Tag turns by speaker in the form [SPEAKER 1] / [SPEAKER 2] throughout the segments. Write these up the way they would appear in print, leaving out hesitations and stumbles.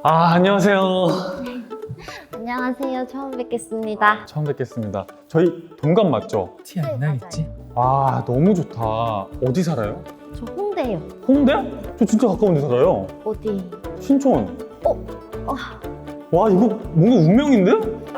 [SPEAKER 1] 안녕하세요.
[SPEAKER 2] 안녕하세요. 처음 뵙겠습니다.
[SPEAKER 1] 처음 뵙겠습니다. 저희 동갑 맞죠?
[SPEAKER 3] 티 안 나겠지?
[SPEAKER 1] 와, 너무 좋다. 어디 살아요?
[SPEAKER 2] 저 홍대요.
[SPEAKER 1] 홍대? 저 진짜 가까운 데 살아요.
[SPEAKER 2] 어디?
[SPEAKER 1] 신촌.
[SPEAKER 2] 어?
[SPEAKER 1] 와, 이거 뭔가 운명인데?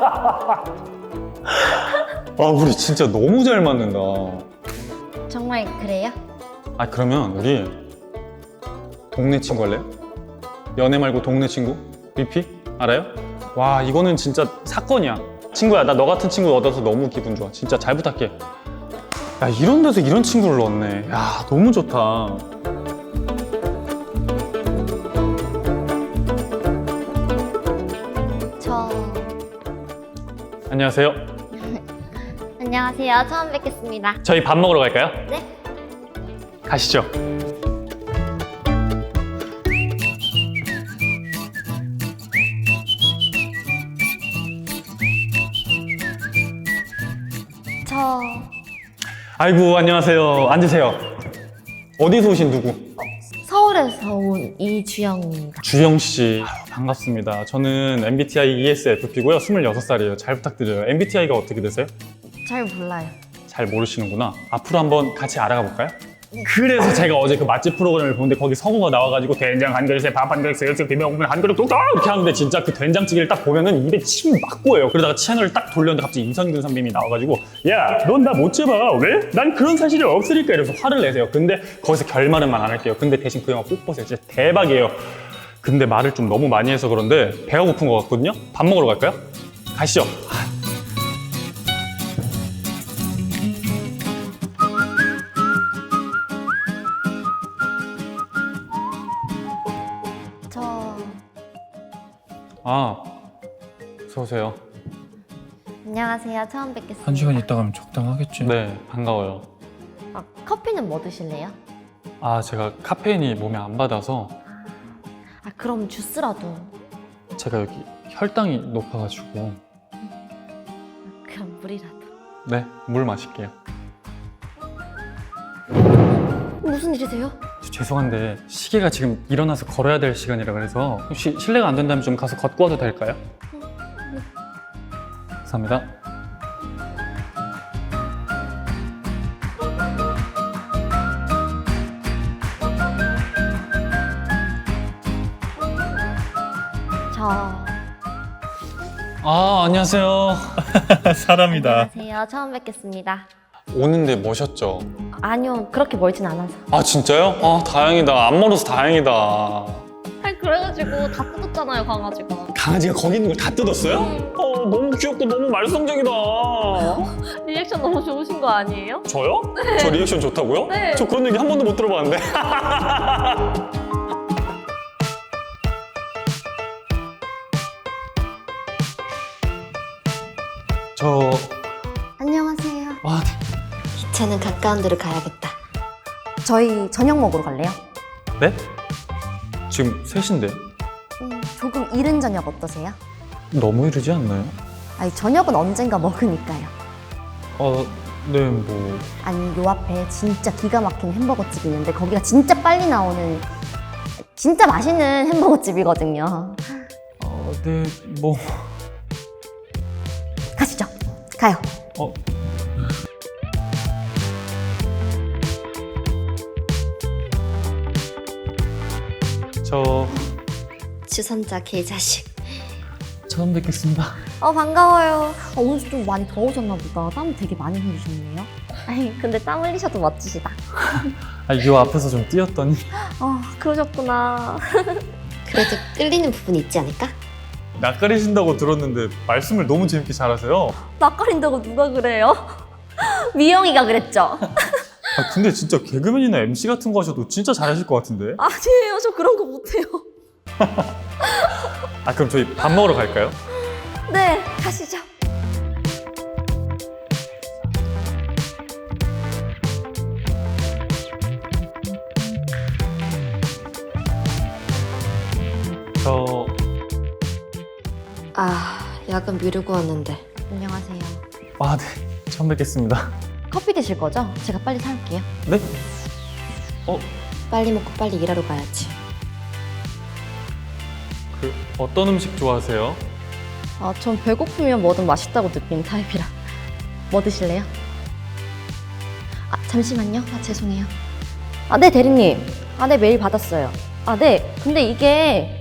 [SPEAKER 1] 우리 진짜 너무 잘 맞는다.
[SPEAKER 2] 정말 그래요?
[SPEAKER 1] 그러면 우리 동네 친구 할래요? 연애 말고 동네 친구? BP? 알아요? 와, 이거는 진짜 사건이야. 친구야, 나 너 같은 친구 얻어서 너무 기분 좋아. 진짜 잘 부탁해. 야, 이런 데서 이런 친구를 넣었네. 야, 너무 좋다. 안녕하세요.
[SPEAKER 2] 안녕하세요. 처음 뵙겠습니다.
[SPEAKER 1] 저희 밥 먹으러 갈까요?
[SPEAKER 2] 네.
[SPEAKER 1] 가시죠.
[SPEAKER 2] 저
[SPEAKER 1] 아이고, 안녕하세요. 앉으세요. 어디서 오신 누구?
[SPEAKER 2] 서울에서 온 이주영입니다.
[SPEAKER 1] 주영 씨. 반갑습니다. 저는 MBTI ESFP고요. 26살이에요. 잘 부탁드려요. MBTI가 어떻게 되세요?
[SPEAKER 2] 잘 몰라요.
[SPEAKER 1] 잘 모르시는구나. 앞으로 한번 같이 알아가 볼까요? 그래서 제가 어제 그 맛집 프로그램을 보는데 거기 성우가 나와가지고 된장 한 그릇에 밥 한 그릇, 새우젓 비벼 먹으면 한 그릇 뚝뚝 이렇게 하는데 진짜 그 된장찌개를 딱 보면은 입에 침이 막 고여요. 그러다가 채널을 딱 돌렸는데 갑자기 임성근 선배님이 나와가지고 야, 넌 나 못 잡아. 왜? 난 그런 사실이 없으니까 이러면서 화를 내세요. 근데 거기서 결말은만 안 할게요. 근데 대신 그 영화 꼭 보세요. 진짜 대박이에요. 근데 말을 좀 너무 많이 해서 그런데 배가 고픈 것 같거든요? 밥 먹으러 갈까요? 가시죠.
[SPEAKER 2] 저
[SPEAKER 1] 어서 오세요.
[SPEAKER 2] 안녕하세요. 처음 뵙겠습니다.
[SPEAKER 3] 한 시간 있다 가면 적당하겠지?
[SPEAKER 1] 네, 반가워요.
[SPEAKER 2] 커피는 뭐 드실래요?
[SPEAKER 1] 제가 카페인이 몸에 안 받아서
[SPEAKER 2] 그럼 주스라도.
[SPEAKER 1] 제가 여기 혈당이 높아가지고
[SPEAKER 2] 그럼 물이라도.
[SPEAKER 1] 네, 물 마실게요.
[SPEAKER 2] 무슨 일이세요?
[SPEAKER 1] 죄송한데 시계가 지금 일어나서 걸어야 될 시간이라 그래서 혹시 실례가 안 된다면 좀 가서 걷고 와도 될까요? 감사합니다.
[SPEAKER 2] 저
[SPEAKER 1] 안녕하세요.
[SPEAKER 3] 사람이다.
[SPEAKER 2] 안녕하세요. 처음 뵙겠습니다.
[SPEAKER 1] 오는데 멋있죠?
[SPEAKER 2] 아니요. 그렇게 멀진 않아서.
[SPEAKER 1] 진짜요? 다행이다. 안 멀어서 다행이다.
[SPEAKER 2] 그래가지고 다 뜯었잖아요, 강아지가.
[SPEAKER 1] 강아지가 거기 있는 걸 다 뜯었어요? 너무 귀엽고 너무 말썽쟁이다.
[SPEAKER 2] 리액션 너무 좋으신 거 아니에요?
[SPEAKER 1] 저요? 네. 저 리액션 좋다고요?
[SPEAKER 2] 네.
[SPEAKER 1] 저 그런 얘기 한 번도 못 들어봤는데. 저...
[SPEAKER 2] 안녕하세요.
[SPEAKER 1] 네.
[SPEAKER 2] 이차는 가까운 데로 가야겠다. 저희 저녁 먹으러 갈래요?
[SPEAKER 1] 네? 지금 3시인데
[SPEAKER 2] 조금 이른 저녁 어떠세요?
[SPEAKER 1] 너무 이르지 않나요?
[SPEAKER 2] 저녁은 언젠가 먹으니까요.
[SPEAKER 1] 네, 뭐...
[SPEAKER 2] 아니, 요 앞에 진짜 기가 막힌 햄버거집이 있는데 거기가 진짜 빨리 나오는 진짜 맛있는 햄버거집이거든요.
[SPEAKER 1] 네, 뭐...
[SPEAKER 2] 가시죠. 가요.
[SPEAKER 1] 저...
[SPEAKER 2] 주선자 개자식.
[SPEAKER 1] 처음 뵙겠습니다.
[SPEAKER 2] 반가워요. 오늘 좀 많이 더우셨나 보다. 땀 되게 많이 흘리셨네요. 근데 땀 흘리셔도 멋지시다.
[SPEAKER 1] 요 앞에서 좀 뛰었더니...
[SPEAKER 2] 그러셨구나. 그래도 끌리는 부분이 있지 않을까?
[SPEAKER 1] 낯가리신다고 들었는데 말씀을 너무 재밌게 잘하세요.
[SPEAKER 2] 낯가린다고 누가 그래요? 미영이가 그랬죠?
[SPEAKER 1] 근데 진짜 개그맨이나 MC 같은 거 하셔도 진짜 잘하실 것 같은데?
[SPEAKER 2] 아니에요. 저 그런 거 못해요.
[SPEAKER 1] 그럼 저희 밥 먹으러 갈까요?
[SPEAKER 2] 네, 가시죠.
[SPEAKER 1] 저...
[SPEAKER 2] 야근 미루고 왔는데. 안녕하세요.
[SPEAKER 1] 네. 처음 뵙겠습니다.
[SPEAKER 2] 커피 드실 거죠? 제가 빨리 사올게요.
[SPEAKER 1] 네?
[SPEAKER 2] 빨리 먹고 빨리 일하러 가야지.
[SPEAKER 1] 어떤 음식 좋아하세요?
[SPEAKER 2] 아, 전 배고프면 뭐든 맛있다고 느끼는 타입이라. 뭐 드실래요? 아, 잠시만요. 아, 죄송해요. 아, 네, 대리님. 아, 네, 메일 받았어요. 아, 네. 근데 이게